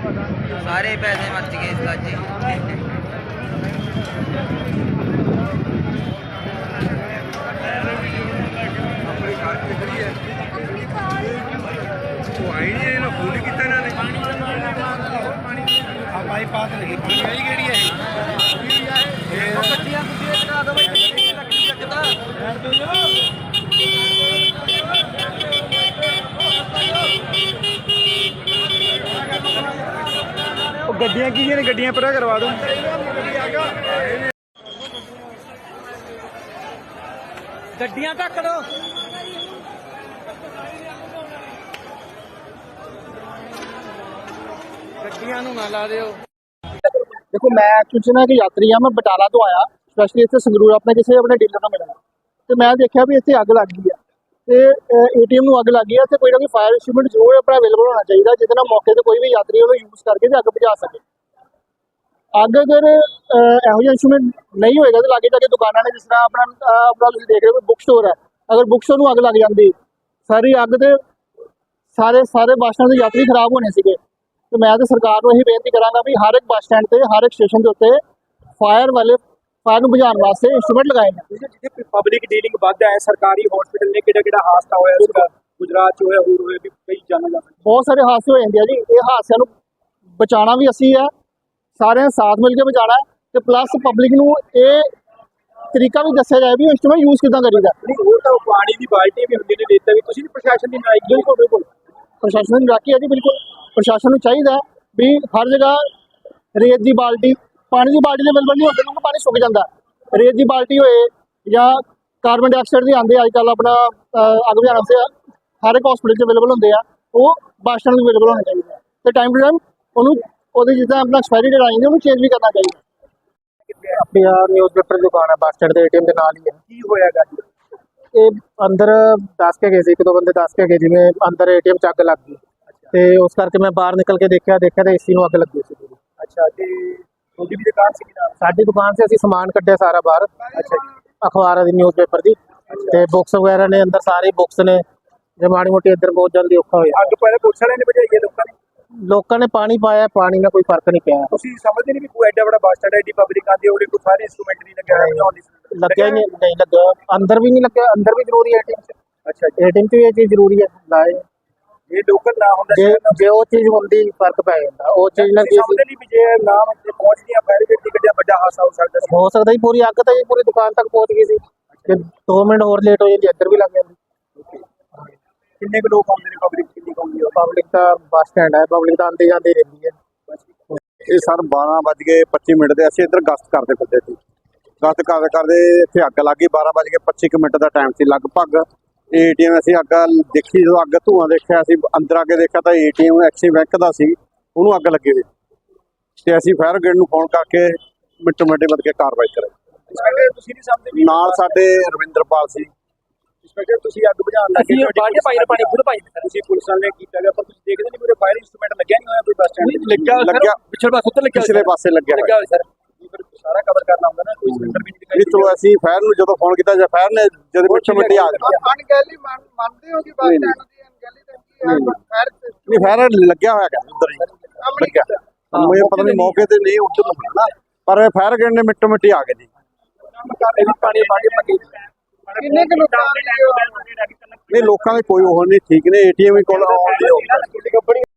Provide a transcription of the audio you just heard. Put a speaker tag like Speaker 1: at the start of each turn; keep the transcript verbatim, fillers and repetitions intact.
Speaker 1: सारे पैसे मच गए इस बार जी।
Speaker 2: बाईपास लगी पानी आई केड़ी है गड्डियां की ने गड्डियां परा करवा दो गड्डियां ढक दो गड्डियां नूं ना ला दिओ।
Speaker 3: देखो मैं एक्चुअली ना एक यात्री हाँ, मैं बटाला तो आया स्पैशली इतने संगरूर अपने किसी अपने डीलर को मिलना तो मैं देखा भी इतने अग लग गई है तो ए टी एम अग लग गई है तो कोई ना कोई फायर इंस्ट्रूमेंट जरूर अपना अवेलेबल होना चाहिए जिससे मौके पर कोई भी यात्री वो यूज़ करके अग बुझा सके। अग अगर यहो जिहा इंस्ट्रूमेंट नहीं होएगा तो लागे जाके दुकाना ने जिस तरह अपना अपना तुम देख रहे हो बुक स्टोर है, अगर बुक स्टोर में अग लग जाती सारी अग तो सारे सारे बस स्टैंड के यात्री खराब होने से। तो मैं तो सरकार को यही बेनती करांगा भी हर एक बस स्टैंड से हर एक स्टेशन के उत्ते फायर वाले फायर को बुझाने वास्ते इंस्ट्रूमेंट लगाए हैं।
Speaker 2: पब्लिक डीलिंग वध है सरकारी हॉस्पिटल ने किहड़ा किहड़ा हादसा होया उसका गुजरात च होया होर होया भी कई जाना जा सकदा
Speaker 3: बहुत सारे हादसे हो जाते हैं जी। ये हादसों को बचाना भी असी है, सारे साथ मिल के बचाना है तो प्लस पब्लिक नूं ये तरीका भी दस्सिया जाए भी इंस्ट्रूमेंट यूज़ किदां करीदा।
Speaker 2: पानी की बाल्टी भी होंदी ने देता भी तुसीं प्रशासन की नाराजगी
Speaker 3: बिल्कुल बिल्कुल प्रशासन की नाराजगी है जी। बिल्कुल प्रशासन को चाहिए भी हर जगह रेत की बाल्टी पानी की बाल्टी अवेलेबल नहीं होती क्योंकि पानी सुक जाता है। रेत की बाल्टी होए या कार्बन डाइऑक्साइड के आते अजकल अपना अग बुझाने से हर एक हॉस्पिटल अवेलेबल होंगे वो बस स्टैंड अवेलेबल होने चाहिए तो टाइम टू टाइम उन्होंने जिदा अपना एक्सपायरी डेट आई उन्होंने चेंज भी करना चाहिए। अपनी न्यूज़ पेपर दुकान है बस स्टैंड के ए टी एम के नाल ही है।
Speaker 2: की होया
Speaker 3: ये अंदर दस के गए एक दो बंदे दस के गए जिमें अंदर ए टी एम च अग लग गई ਤੇ ਉਸ ਕਰਕੇ ਮੈਂ ਬਾਹਰ ਨਿਕਲ ਕੇ ਦੇਖਿਆ ਦੇਖਿਆ ਤਾਂ ਏਸੀ ਨੂੰ ਅੱਗ ਲੱਗੀ ਸੀ ਪੂਰੀ।
Speaker 2: ਅੱਛਾ ਤੇ ਤੁਹਾਡੀ ਵੀ ਦੁਕਾਨ ਸੀ ਨਾਲ?
Speaker 3: ਸਾਡੀ ਦੁਕਾਨ ਸੇ ਅਸੀਂ ਸਮਾਨ ਕੱਢਿਆ ਸਾਰਾ ਬਾਹਰ।
Speaker 2: ਅੱਛਾ
Speaker 3: ਅਖਬਾਰਾਂ ਦੀ ਨਿਊਜ਼ ਪੇਪਰ ਦੀ ਤੇ ਬੁੱਕਸ ਵਗੈਰਾ ਨੇ ਅੰਦਰ ਸਾਰੇ ਬੁੱਕਸ ਨੇ ਜੇ ਮਾੜੀ ਮੋਟੀ ਇੱਧਰ ਬਹੁਤ ਜਲਦੀ ਔਖਾ ਹੋਇਆ।
Speaker 2: ਅੱਗ ਪਹਿਲੇ ਪੁਲਿਸ ਵਾਲਿਆਂ ਨੇ ਬੁਝਾਈ ਹੈ ਲੋਕਾਂ ਨੇ
Speaker 3: ਲੋਕਾਂ ਨੇ ਪਾਣੀ ਪਾਇਆ ਪਾਣੀ ਨਾਲ ਕੋਈ ਫਰਕ ਨਹੀਂ ਪਿਆ।
Speaker 2: ਤੁਸੀਂ ਸਮਝਦੇ ਨਹੀਂ ਵੀ ਕੋਈ ਐਡਾ ਬੜਾ ਬੱਸ ਸਟੈਂਡ ਐਡੀ ਪਬਲਿਕ ਆਂਦੀ ਉਹਦੇ ਕੋਈ ਸਾਰੇ ਇੰਸਟਰੂਮੈਂਟ ਨਹੀਂ ਲੱਗਿਆ ਹੋਇਆ
Speaker 3: ਲੱਗਿਆ ਨਹੀਂ ਨਹੀਂ ਲੱਗਾ ਅੰਦਰ ਵੀ ਨਹੀਂ ਲੱਗਿਆ ਅੰਦਰ ਵੀ ਜ਼ਰੂਰੀ ਹੈ ਏ ਟੀ ਐਮ 'ਚ।
Speaker 2: ਅੱਛਾ
Speaker 3: ਏ ਟੀ ਐਮ 'ਚ ਵੀ ਇਹ ਚੀਜ਼ ਜ਼ਰੂਰੀ ਹੈ ਲਾਏ
Speaker 2: ਜੇ ਲੋਕਲ ਨਾ ਹੁੰਦਾ
Speaker 3: ਜੇ ਜੇ ਉਹ ਚੀਜ਼ ਹੁੰਦੀ ਫਰਕ ਪੈ ਜਾਂਦਾ ਉਹ ਚੀਜ਼ ਨਾਲ ਕੀ
Speaker 2: ਸਮਝਦੇ ਨਹੀਂ ਵੀ ਜੇ ਨਾ ਪਹੁੰਚਦੀਆਂ ਫਾਇਰ ਬ੍ਰਿਗੇਡ ਦੀ ਗੱਡੀਆਂ ਵੱਡਾ ਹਾਦਸਾ ਹੋ ਸਕਦਾ ਸੀ।
Speaker 3: ਹੋ ਸਕਦਾ ਜੀ ਪੂਰੀ ਅੱਗ ਤਾਂ ਜੀ ਪੂਰੀ ਦੁਕਾਨ ਤੱਕ ਪਹੁੰਚ ਗਈ ਸੀ ਜੇ ਦੋ ਮਿੰਟ ਹੋਰ ਲੇਟ ਹੋ ਜਾਂਦੀ ਇੱਧਰ ਵੀ ਲੱਗ ਜਾਂਦੀ।
Speaker 2: ਕਿੰਨੇ ਕੁ ਲੋਕ ਆਉਂਦੇ ਨੇ ਪਬਲਿਕ ਕਿੰਨੀ ਕੁ ਆਉਂਦੀ ਹੈ?
Speaker 3: ਪਬਲਿਕ ਤਾਂ ਬੱਸ ਸਟੈਂਡ ਹੈ ਪਬਲਿਕ ਤਾਂ ਆਉਂਦੀ ਜਾਂਦੀ ਰਹਿੰਦੀ ਹੈ।
Speaker 4: ਇਹ ਸਰ ਬਾਰਾਂ ਵੱਜ ਕੇ ਪੱਚੀ ਮਿੰਟ ਦੇ ਅਸੀਂ ਇੱਧਰ ਗਸ਼ਤ ਕਰਦੇ ਫਿਰਦੇ ਸੀ। ਗਸ਼ਤ ਕਰਦੇ ਕਰਦੇ ਇੱਥੇ ਅੱਗ ਲੱਗ ਗਈ ਬਾਰਾਂ ਵੱਜ ਕੇ ਪੱਚੀ ਕੁ ਮਿੰਟ ਦਾ ਟਾਈਮ ਸੀ ਲਗਭਗ। ਏ ਟੀ ਐਮ ਅਸੀਂ ਅੱਗ ਦੇਖੀ ਜਦੋਂ ਅੱਗ ਧੂਆਂ ਦੇਖਿਆ ਅਸੀਂ ਅੰਦਰ ਆ ਕੇ ਦੇਖਿਆ ਤਾਂ A T M Axis bank ਦਾ ਸੀ ਉਹਨੂੰ ਅੱਗ ਲੱਗੀ ਹੋਈ ਤੇ ਅਸੀਂ ਫਾਇਰ ਬ੍ਰਿਗੇਡ ਨੂੰ ਫੋਨ ਕਰਕੇ ਮਿੰਟੋ ਮਿੰਟ ਵੱਧ ਕੇ ਕਾਰਵਾਈ ਕਰਾਈ।
Speaker 2: ਇੰਸਪੈਕਟਰ ਤੁਸੀਂ ਨਹੀਂ ਸਮਝਦੇ ਵੀ
Speaker 4: ਨਾਲ ਸਾਡੇ ਰਵਿੰਦਰਪਾਲ ਸੀ
Speaker 2: ਇੰਸਪੈਕਟਰ ਤੁਸੀਂ ਅੱਗ ਬੁਝਾਉਣ ਲੱਗੇ ਬਾਲਟੀ ਪਾਈ ਨੇ ਪਾਣੀ ਖੁਦ ਪਾਈ ਤੁਸੀਂ ਪੁਲਿਸ ਵਾਲੇ ਨੇ ਕੀਤਾ ਗਿਆ ਪਰ ਤੁਸੀਂ ਦੇਖਦੇ ਨਹੀਂ ਪੂਰੇ ਫਾਇਰ ਇੰਸਟਰੂਮੈਂਟ ਲੱਗਿਆ ਨਹੀਂ ਹੋਇਆ ਕੋਈ ਬੱਸ ਸਟੈਂਡ
Speaker 4: ਲੱਗਿਆ ਲੱਗਿਆ
Speaker 2: ਪਿਛਲੇ ਪਾਸੇ ਉੱਤੇ ਲੱਗਿਆ
Speaker 4: ਪਿਛਲੇ ਪਾਸੇ ਲੱਗਿਆ
Speaker 2: ਲੱਗਿਆ ਹੋਇਆ ਸਰ ਫਿਰ ਸਾਰਾ ਕਵਰ ਕਰਨਾ ਹੁੰਦਾ ਨਾ ਕੋਈ ਸਿਲੰਡਰ ਵੀ ਨਹੀਂ
Speaker 4: ਇਹ ਤੋਂ ਅਸੀਂ ਫਾਇਰ ਨੂੰ ਜਦੋਂ ਫੋਨ ਕੀਤਾ ਜਾਂ ਫਾਇਰ ਨੇ ਜਦੋਂ ਮਿੰਟੋ ਮਿੰਟ ਆ ਗਏ।
Speaker 3: ਅਣਗਹਿਲੀ ਮੰਨਦੇ ਹੋ ਕਿ ਬੱਸ ਸਟੈਂਡ ਦੀ ਅਣਗਹਿਲੀ ਤਾਂ ਕੀ ਹੈ ਫਾਇਰ
Speaker 4: ਨਹੀਂ ਫਾਇਰ ਲੱਗਿਆ ਹੋਇਆ ਕਿ ਉਧਰ ਹੀ ਲੱਗਿਆ ਮੈਨੂੰ ਪਤਾ ਨਹੀਂ ਮੌਕੇ ਤੇ ਨਹੀਂ ਉੱਧਰ ਨੂੰ ਨਾ ਪਰ ਫਾਇਰ ਬ੍ਰਿਗੇਡ ਨੇ ਮਿੰਟੋ ਮਿੰਟ ਆ ਗਏ ਜੀ।
Speaker 2: ਪਾਣੀ ਪਾਣੀ ਪੱਕੀ
Speaker 3: ਕਿੰਨੇ ਕੁ ਲੋਕਾਂ
Speaker 4: ਨਹੀਂ ਲੋਕਾਂ ਦੇ ਕੋਈ ਉਹ ਨਹੀਂ ਠੀਕ ਨੇ ਏ ਟੀ ਐਮ ਕੋਲ ਆਉਣ ਦੀ